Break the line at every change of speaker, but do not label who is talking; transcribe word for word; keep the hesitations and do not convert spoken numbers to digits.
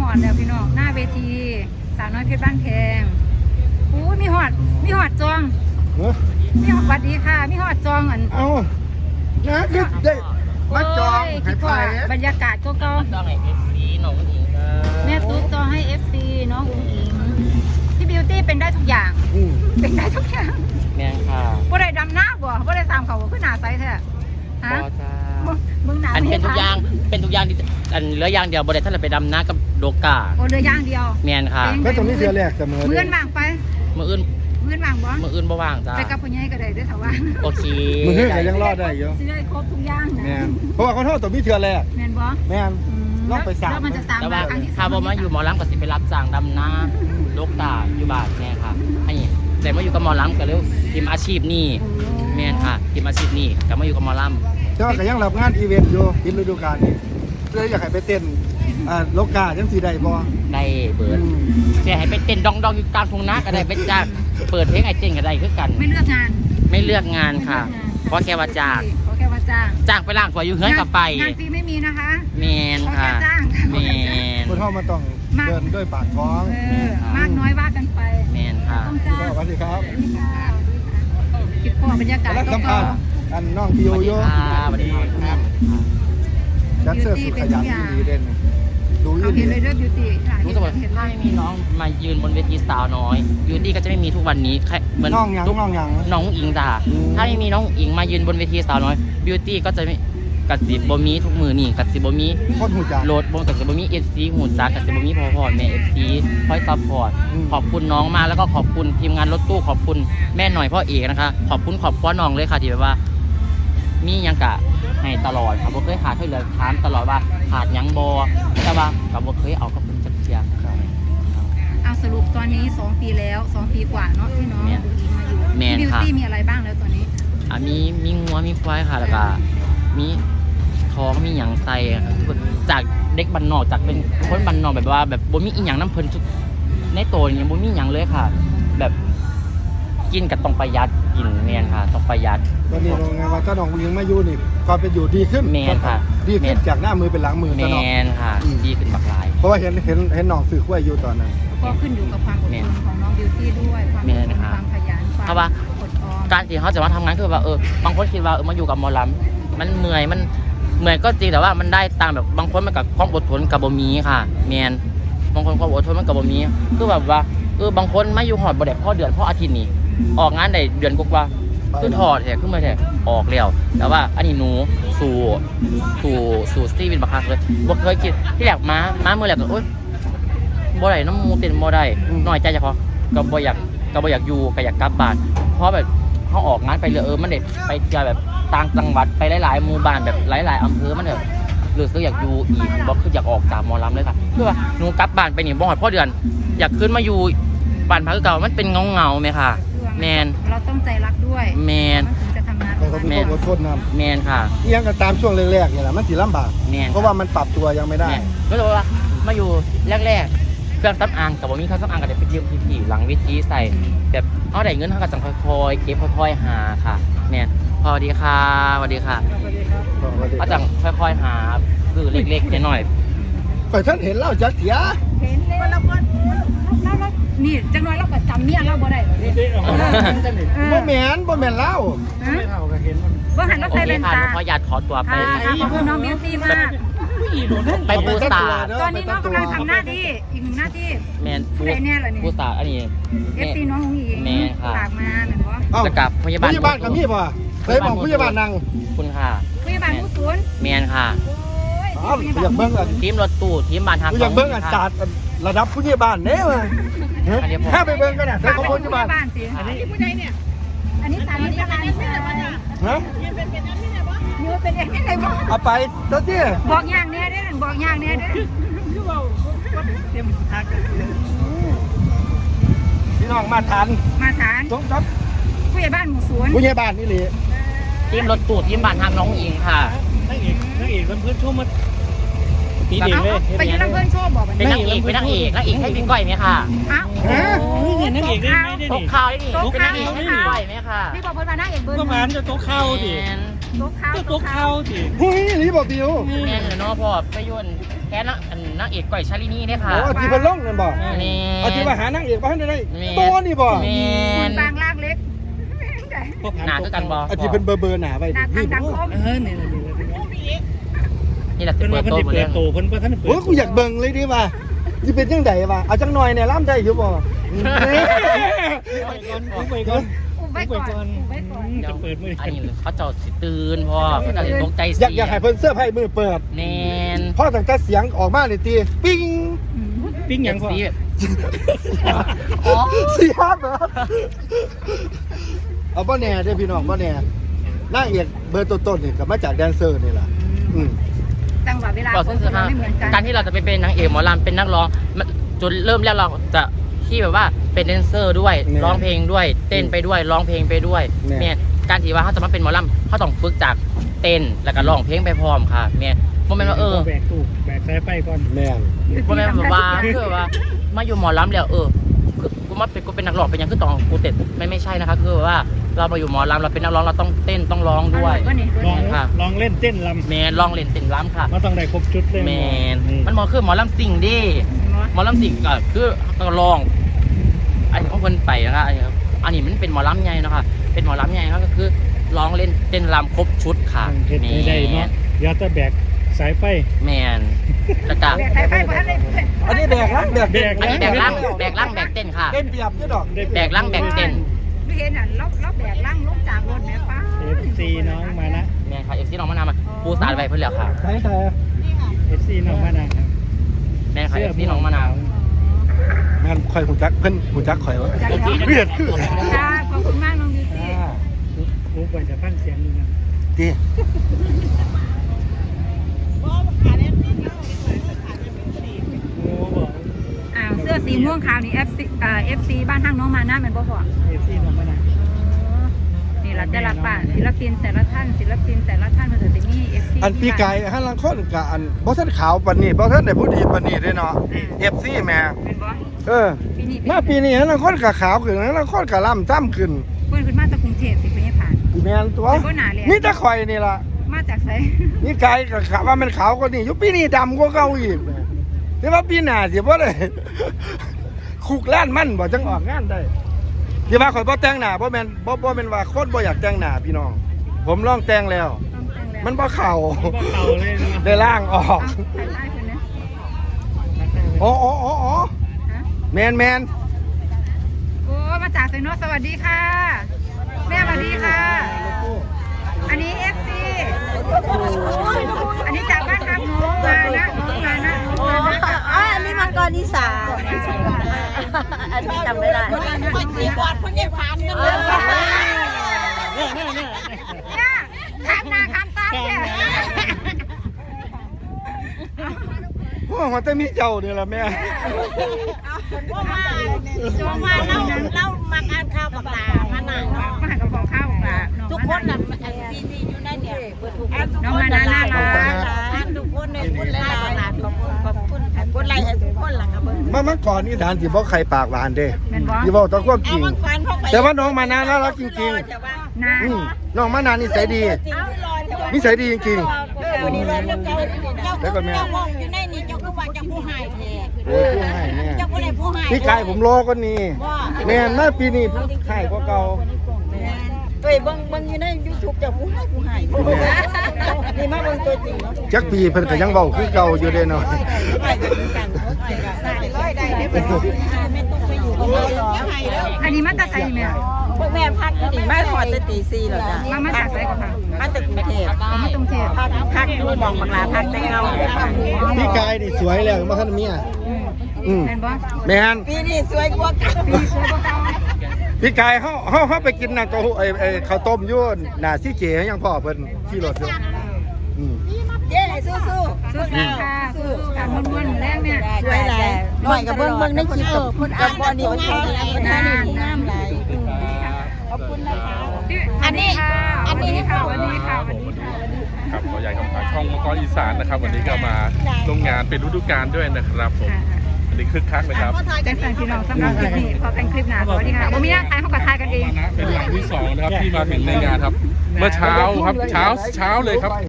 อดแล้วพี่น้องหน้าเวทีสาวน้อยเพชรบ้านแพงอู้มีหอดมีหอดจองมีหอดสวัสดีค่ะมีหอดจองอัน
เอานะคือได้มาจองให้ไป
บรรยากาศก็ก็
จองให้เอฟซีน้องอิงครับ
แม่ตุ๊กจองให้ เอฟ ซี น้องอุ้งอิงพี่บิวตี้เป็นได้ทุกอย่าง
อืม
เป็นได้ทุกอย่าง
แม่งค่ะ
บ่ได้ดำหน้าบ่บ่ได้สามเขาบ่ขึ้นหน้าใสแท้
พ
ฮะ
อจ้า
มึงมึงหนา
อันเป็นทุกอย่างเป็นทุกอย่างที่อันเหลืออย่างเดียวบริษัทท่านไปดำน้ากับโดกา
โอ้เรือย่างเดียว
แม่นค่ะ
ไม่ตรงนี้เทือแรกเสมอ
มื้อนว่างไป
มืออื่น
มื้อนว่างบ่
มืออื่นบ่ว่างจ้า
ไปกับพ่อใหญ่ก็ได้เด้อถ้าว่าง
โอเค
มือเทือก็ยังรอดได้อยู่
สิได้ครบทุกอย่างนะ
แม่นเพราะว่าเขาโทษตัวมีเทือแรก
แม่นบ่
แม่น
อืม
ลองไปสาม
แล้วมันจะตาม
แต่
มา
ว่า
ครั้งที่ส
ถ้าบ่มาอยู่หมอลำก็สิไปรับจ้างดำน้าโดกาอยู่บ้านแม่ค่ะอันนี้แต่มาอยู่กับหมอลำก็เร็วทีมอาชีพนี่แม่นค่ะทีมอาชีพนี่ก็มาอยู่กับหมอลำ
แต่ว่าก็ยังรับงานอีเวนต์อยู่ปิดฤดูกาลนี้เลยอยากให้ไปเต้นอ่าโลกาจังสีใดบ่
ได้เปิดจะให้ไปเต้นดองดองอยู่กลางทุ่งนาก็ได้ไปจ้างเปิดเพลงไอเจนก็ได้คือกัน
ไม่เลือกงาน
ไม่เลือกงานค่ะ เพราะแค่ว่าจ้าง
เพราะแค่ว่าจ้าง
จ้างไปล่างสวยอยู่เฮือนกับไป
งานฟรีไม่มีนะคะ
แมนค่ะ
เพราะแค่จ้าง
แมน
คนเฮามาต้องเดินด้วยปากท้อง
เออมากน้อยว่ากันไป
แมนค่ะ
ต้องจ้าง
สวัสดีครับ
คลิปพ่อบรรยากาศ
แล้ว
ก็
สัมภาษณ์อันน้องพิ
ส
โย
วัสดี
โย
ค่ะสวัสดีครับ
ดันเซอร์สุดขยันที่ดีเด่นดู
เอา
ยิ่
เห็นเลยเด้อบิวตี้
รู้สึกว่า
เห็นเล
ถ้าย ไม่มีน้องมายืนบนเวทีสาวน้อยบิวตี้ก็จะไม่มีทุกวันนี้แค่เหมือน
น้องหยัง
ทุก
น้องหยัง
น้องอิงจ้า
อืม
ถ้าไม่มีน้องอิงมายืนบนเวทีสาวน้อยบิวตี้ก็จะไม่กัดสิบบ่มีทุกมือนี่กัดสิบบ่มี
โคตรหูจัก
โหลดบนกัดสิบบ่มีเอฟซีหุ่นจ้ากัดสิบบ่มีพอพอแม่เอฟซีคอยซัพพอร์ต
อืม
ขอบคุณน้องมากแล้วก็ขอบคุณทีมงานรถตู้ขอบคุณแม่หน่อยพ่อเอกนะคะ ขอบคุณขอบคุณน้องเลยค่ะที่แบบว่า มีหยังกะให้ตลอดครับบ่เคยขาดเท่าเลยถามตลอดว่าขาดหยังบอแต่ว่ากับบ่เคยเอากับคุณจักเทีย
เอาสรุปตอนนี้สองปีแล้วสองปีกว่าเนาะที่น้อง
แม่น
ดูอิงมาอยู่
แม่น
บิว
ค่ะ
ตี้มีอะไรบ้างแล้วตอนนี้
อ่ะมีมีงัวมีควายค่ะแล้วก็มีท้องมีหยังใส่จากเด็กบ้านนอกจากเป็นคนบ้านนอกแบบว่า แบบบ่มีอีหยังน้ำเพิ่นทุกในโตนี่บ่มีหยังเลยค่ะ แบบกินก็ต้องประหยัดกินแม่นค่ะต้องประหยัด
ตอนนี้โรงงานว่าถ้าน้องยิงมาอยู่นี่ความเป็นอยู่ดีขึ้น
แม่นค่ะ
ดีขึ้นจากหน้ามือเป็นหลังมือ
แม
ตลอด
นค่ะ
อืม
ดีขึ้นบักหลาย
เพราะว่าเห็นเห็นเห็นน้องสื่อขั้วอยู่ตอนนั้น
ก็ขึ้นอยู่กับความอดทนของน้องบิวตี้ด้วยความอด
แม่
ท
น
น
ค่ะ
ความขยันความ
เพราะว่า
อดออม
การที่เขาจะมาทำงานคือว่าเออบางคนคิดว่าเออมาอยู่กับหมอลำมันเมื่อยมันเมื่อยก็จริงแต่ว่ามันได้ตามแบบบางคนมันกับความอดทนกับบ่มีค่ะแมนบางคนความอดทนมันกับบ่มีคือแบบว่าเออบางคนมาอยู่หอดบ่ได้พ่อเดือนพ่ออาทิตย์นี้ออกงานได้เดือนกว่าๆคือถอดแท้ขึ้นมาแท้ออกแล้วแต่ว่าอันนี้หนูสู่สู่สู่สตีวินบักคักเลยบ่เคยคิดที่แรกมามาเมื่อแรกก็โอ๊ยบ่ได้น้ำมูเต็นบ่ได้น้อยใจเฉพาะก็บ่อยากก็บ่อยากอยู่ก็อยากกลับบ้านเพราะแบบเขาออกงานไปเลยเออมันเด็ดไปเจอแบบต่างจังหวัดไปหลายๆหมู่บ้านแบบหลายๆอำเภอมันแบบรู้สึกอยากอยู่อีกบ่คืออยากออกจากหมอลำเลยค่ะคือว่าหนูกลับบ้านไปนี่บ่ฮอดพ่อเดือน อยากขึ้นมาอยู่บ้านพักเก่ามันเป็นเงาๆไหมค่ะแมน
เราต้องใจรักด้วย
แมน
มันถึงจะทำงาน
แต่ก็มีความอดทนน
แมนค่ะ
ำเอียงกันตามช่วงแรกๆเนี่ยแหละมันสิลำบาก
แมน
เพราะว่ามันปรับตัวยังไม่ได้
แมนก็เลยว่ามาอยู่แรกๆเครื่องซับอางกับว่ามีเครื่องซับอางก็จะไปยืมพี่ๆหลังเวิธีใส่แบบเอาได้เงินเท่ากับจังค่อยๆเก็บค่อยๆหาค่ะแมนพอดีค่ะสวัสดีค่ะเอาจังค่อยๆหาคือเล็กๆน้อย
ไปท่านเห็นเล่าจักเสีย
เห็นเลยแล้วก็แล้วแล้วนี่จังน้อยเราก็จำเมียเราบ่ได้เหรอเนี่ย
บ่แม่นบ่แม่นเล่า
ฮะว่าหัน
ๆ
เรา
โอ
ใส่
เค
เลน
ค่ะ
ตา
หนูขอญาตขอตัวไป
ค่ะขอบคุณน้องบิวตี้มาก
ไปปูสตาร์
ตอนนี้น้องกำลังทำหน้าที่อีกหนึ่งหน้าที่
แมนปู
อะไรเนี่ยเหรอเนี่ย
ปูสตาร์อันนี้
เอฟซีน้องหงอิง
แม่ค่ะ
ฝากมาเหมือนว่า
เอ้า
จะกลับพยาบาล
พยาบาลกับพี่ป่ะเคยบอกพยาบาลนั่ง
คุณค่ะ
พยาบาลผู้ศูนย์
แมนค่ะ
โอ้ย
อ้าวอยากเบิ่งอัน
ทีมรถตู้ทีมบานทาง
อยากเบิ่งอันศาสตร์ระดับพยาบาลเด้อถ้าไปเบิ่งกันน่ะถ้า
ฝาก
เขา
ไป
พ
ถึง
ยาบาล
พยาบาลสิอันนี้ผู้ใดเนี่ยอันนี้สามีพยาบาลค่ะ
ฮะ
นี่ว่าเป็นเองที่ไหนบอก
เอาไปตัวที่
บอกอย่างเนี้ยเด้อบอกอย่างเนี้ยเด้อ
พี่น้องมาทัน
มาฐาน
สมครับ
ผู้ใหญ่บ้านหมู่ศูนย์
พยาบาลนี่เลย
ทีมรถตู้ทีมบานทางน้องอิงค่ะ
นักเอกนักเอกเพื่อนๆช่วงมาปีเด็ก
เอา
เลย
ไปยืนรับเพื่อนโชว์บอกมัน
เป็นนางเอกเป็นนางเอกนางเอกให้พี่ก้อยไหมค่ะ
อ้าว
ฮะ
นี่ไงนักเอกได้ไหมได้
ต
ดิ
กข่าวได้ดิเป็นนางเอกให้พี่ก้อยไหมค่ะ
นี่บอกเพื่อนมาหน้าเอกเบิร์
ก็มานจะโต๊ะเข้าดิ
แมน
ตกข้าว
ก็ตัวเขาสิ
เฮ้ยรีบบอกบิว
แม่นเนาะพ่อไปยนแค่นักนางเอกก้อยชาลินีเนี่ยค่ะ
โอ้ที่เพิ่นลงนั่นบ่
นี่
เอาที่ว่าหานางเอกบ่ทันได้
แม่
ตัวนี่บ่
แม่
คุณ
น
บางล่างเล็ก
หนาคือกันบ่
เอาที่เพิ่นเบอร์เบอร์หน้าไว้
หน้าทางดังคม
เออนี่นี่นี่
นี่แหละสิ
เพิ่น
เปิ
ว่า
ด
เพิ่น
โต๊ะ
สิ
หมด
เปิ
เลย
ดโตเพิ่นเพิ่นทันเปิด
โอ้ยกูอยากเบิ่งเลยดิว่าสิเป็นจังไดวะเอาจังหน่อยเนี่ยล่ำได้อยู่บ่
ไปก่อนไปก่อน
อุ้มไว้ก่อนอุ้มไว้ก่อน
จะเปิดมือ
อันนี้เขาเจ้าสิตื่นพ่อเขาเจ้าสิตกใจ
อยาก
เสี
อยากให้เพิ่นเสื้อผ้ามือเปิด
แน่น
พอตั้งแต่เสียงออกมานี่ตีปิ้ง
ปิ้งหยังพอ
สีแบบอ๋อ
เสียงเหรอเอาบ่แน่เด้อพี่น้องบ่แน่นางเอกเบอร์ต้นๆนี่ก็มาจากแดนเซอร์นี่ล่ะอืม
จังหวะเวลา
เรา
ข
ซึ่
อง ง
คือ
เราไม่เหมือนกัน
การที่เราจะไปเป็นนางเอกหมอลำเป็นนักร้องมันจนเริ่มแรกเราจะที่แบบว่าเป็นแดนเซอร์ด้วยร้องเพลงด้วย เต้นไปด้วยร้องเพลงไปด้วยเนี่ยการที่ว่าเขาจะมาเป็นหมอลำเขาต้องฝึกจากเต้นแล้วก็ร้องเพลงไปพร้อมค่ะเนี่ยโมเมนต์ว่าเออ
แบกตู้แบกสายไฟก่อน
แม่น
โมเมนต์แบบว่าคือว่ามาอยู่หมอลำแล้วเออคือกูมาเป็นกูเป็นนักร้องเป็นยังคือต้องกูเต้นไม่ไม่ใช่นะคะคือว่าเรามาอยู่หมอลำเราเป็นนักร้องเราต้องเต้นต้องร้องด้วย
ก็นี่
ลอง
ค่ะ
ลองเล่นเต้นล
แมนร้องเล่นเต้นล้ำค่ะ
ำมาต้องได้ครบชุดเลย
แมนมันหมอคือหมอลำสิ่งดิหมอลำสิ่งก็คือก็ร้องอันนี้ของคนไปนะคะอันนี้ครับอันนี้มันเป็นหมอลำใหญ่นะคะเป็นหมอลำใหญ่ครับก็คือร้องเล่นเต้นรำครบชุดค่ะ
เฮ็ด
แม
ไม่ได้เนาะ
น
อย่าแต่แบกสายไฟ
แมนแล้วก็
แบกสายไฟบ่ทันได้
อันนี้แบกล่างแบก
แบก
อันนี้แบกล่างแบกล่างแบกเต้นค่ะ
เต้นเปรียบอยู่ดอก
แบกล่างแบกเต้น
ไม่เห็นอ่ะเราเราแบกล่างลงจากรถแม่ป้า
เอฟซีน้องมานะ
แมนค่ะเอฟซีน้องมานำมาปูสาดไว้เพื่อนแล้วค่ะ
ใช่ใช่
เอฟซีน้องมานะครับ
แมนค่ะเอฟซีน้องมานำ
แม่นข่อยหูจักเพิ่นหูจักข่อยว่า
ใจ
โอเค
เนาะ
เวียดคือ
ค่ะขอบคุณมากน้องยูซี่
รู้ก่อนจะฟังเสียงดูนะ
ตี
โอ้บอก
อ้าวเสื้อสีม่วงขาวนี่ FC เอ่อ เอฟ ซี บ้านทางน้องมานะแม่นบ่พ่อ
เอฟซีน้องมานะ
นี่เราจะรับป่ะศิลปินแต่ละท่านศิลปินแต่ละท่านมันจะมี เอฟ ซี
อันปีไก่ฮันลังคนกะอันบ่ทันขาวปานนี้บ่ทันได้ผู้ดีปานนี้เด้เนาะ เอฟ ซี แม่
เป็นบ่
เออ
ปีนี้
มาปีนี้ฮันลังคนกะขาวขึ้นฮันลังคนกะล่ำจ้ำขึ้น
เพิ่นขึ้นมาจากกรุงเทพสิเพิ่นยังผ่าน
อีแม่นตัว
เป็นบ่หนาเลย
นี่ตะข่อยนี่ล่ะ
มาจากไส
นี่ไก่กะขาวว่ามันขาวกว่านี้อยู่ปีนี้ดำกว่าเก่าอีกแต่ว่าปีหน้าสิบ่ได้ คุกล้านมันบ่จังออกงานได้ที่ว่าข่อยบ่แต่งหน้าบ่แม่นบ่บ่แม่นว่าคนบ่อยากแต่งหน้าพี่น้อง ผมลองแต่งแล้ว
ต้องแต่งแล้ว
มันบ่เข้า
มันก็เข่าเลยนะ
ได้ล่างออก
เอาถ่ายได้เพิ่นนะ
อ๋ออ๋ออ๋ออ๋อ
ฮะ
แมนแมน
โอ้มาจากไซโนสวัสดีค่ะ แม่สวัสดีค่ะ อันนี้ เอฟ ซี อันนี้จากบ้านครับน้องมานะน้องมานะน้องมานะ
อ๋ออันนี้มังกรอีสานอันนี้จำไม่ได้คนที่กอดคนใหญ่พานกันเลย
เนี่ยเนี่ยเนี่ย
เนี่ยข้ามหน้าข้ามตาเนี่ย
โอ้มันจะมีเจ้าเนี่ยละแม่
ว่ามาว่ามาเล่าเล่ามาอ่านข่าวกับตามาหนัง
มาหากับของข้าวของเรา
ทุกคนน่ะที่ที่อยู่ในเนี่ยทุกคนเนี่ยพูดหลายๆขอบคุณขอบคุณกดไลค์ให้ทุกคนหลังกับเบิ้ง
มาเมื่อก่อนนี่ฐานสิบ่ใครปากหวานเด้
แม่นบ่
ที่บอกตะความจ
เอา
ริง
บางฟันเข้าไป
แต่ว่าน้องมานาน่ารักจริง
นะ
ๆอืมน้องมานานิสัยดี นิสัยดีจริง
วันนี้เราเจ้าเจ้าเจ้าห้องอยู่ในนี่เจ้าคือว่าเจ้าผู้ให้แท้
ๆโอ้ยผู้ให้แม่
เจ้าผู้ใดผู้ให้
พี่กายผมรอก็นี่แม่นมาปีนี้ผู้ให้กว่าเก่า
เฮ้ยเบิ่งเบิ่งอยู่ใน YouTube เจ้าผู้ให้ผู้ให้นี่มาเบิ่งตัวจริงเนาะ
จักปีเพิ่นก็ยังเว้าคือเก่าอยู่เด้เนาะ
ได้กันได้ร้อยได้ได้บ่ไม่ต้องไปอยู่กับเราหรอกให้แล้ว
อันนี้มาจากไสแม่
พวกแม่พักนี่มาขอแต่ตีสี่แล้วจ้ะ
มามาจากไสก่อนค่ะ
มาจากกรุงเทพ
เอามาตรงเทพ
พักพักดูมองบังลาพักแต่เงา
พี่กายนี่สวยแล้วมาท่านเมีย
อืม
อืม
แม่นบ่
แม่น
ปีนี้สวยกว่าเก่า
ปีสวยบ่เก่า
พี่กายเฮาเฮาเฮาไปกินน่ะตัวไอ้ไอ้ข้าวต้มอยู่หน้าซี่เก๋ยังพ่อเพิ่นขี่รถอยู่อืม
เย้สู้ๆ
สู้ๆค่ะสู้ๆค่ะม้วนๆแรงเนี่ย
สวยหลายหน่อยกับเบิ่งเบิ่งในคลิปกับกับบอดี้คนไทยนานงามหลายขอบคุณนะคะ
อันนี้ค่ะ
อันนี้
ค่ะวันนี้ค่ะวันนี้ค่ะ
ครับขอใหญ่คำถามช่องมังกรอีสานนะครับ วันนี้ก็มาลงงานเป็นฤดูกาลด้วยนะครับผม
ค่ะ
วันนี่คึกคักเลยครับ
แจ็คสันพี่น้องสำหรับคลิปนี้พอเป็นคลิปหน้าสวัสดีค่ะบ่มีหน้าทายเขาก็ทายกันเอง
เป็นหลังที่สองนะครับที่มาถึงในงานครับ เมื่อเช้าครับเช้าเช้าเลยครับ